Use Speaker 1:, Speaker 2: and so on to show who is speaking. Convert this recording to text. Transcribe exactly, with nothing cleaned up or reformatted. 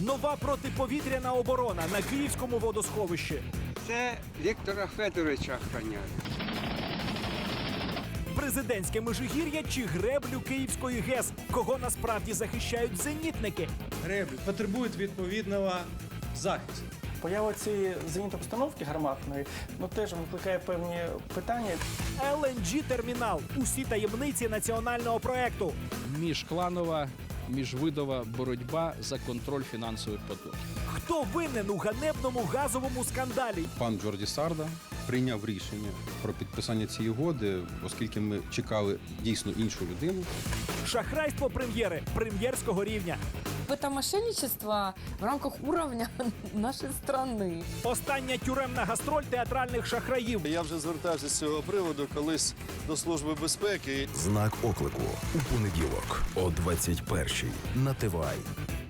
Speaker 1: Нова протиповітряна оборона на Київському водосховищі.
Speaker 2: Це Віктора Федоровича охороняють.
Speaker 1: Президентське Межигір'я чи греблю Київської ГЕС? Кого насправді захищають зенітники?
Speaker 3: Греблі потребують відповідного захисту.
Speaker 4: Поява цієї зенітної установки гарматної ну, теж викликає певні питання.
Speaker 1: ел ен джі-термінал. Усі таємниці національного проекту.
Speaker 5: Міжкланова, міжвидова боротьба за контроль фінансових потоків.
Speaker 1: Хто винен у ганебному газовому скандалі?
Speaker 6: Пан Джорді Сарда прийняв рішення про підписання цієї угоди, оскільки ми чекали дійсно іншу людину.
Speaker 1: Шахрайство прем'єри прем'єрського рівня.
Speaker 7: Это мошенничество в рамках уровня нашей страны.
Speaker 1: Остання тюремна гастроль театральних шахраїв.
Speaker 8: Я вже звертався з цього приводу колись до Служби безпеки.
Speaker 9: Знак оклику у понеділок о двадцять першій на ТВАЙ.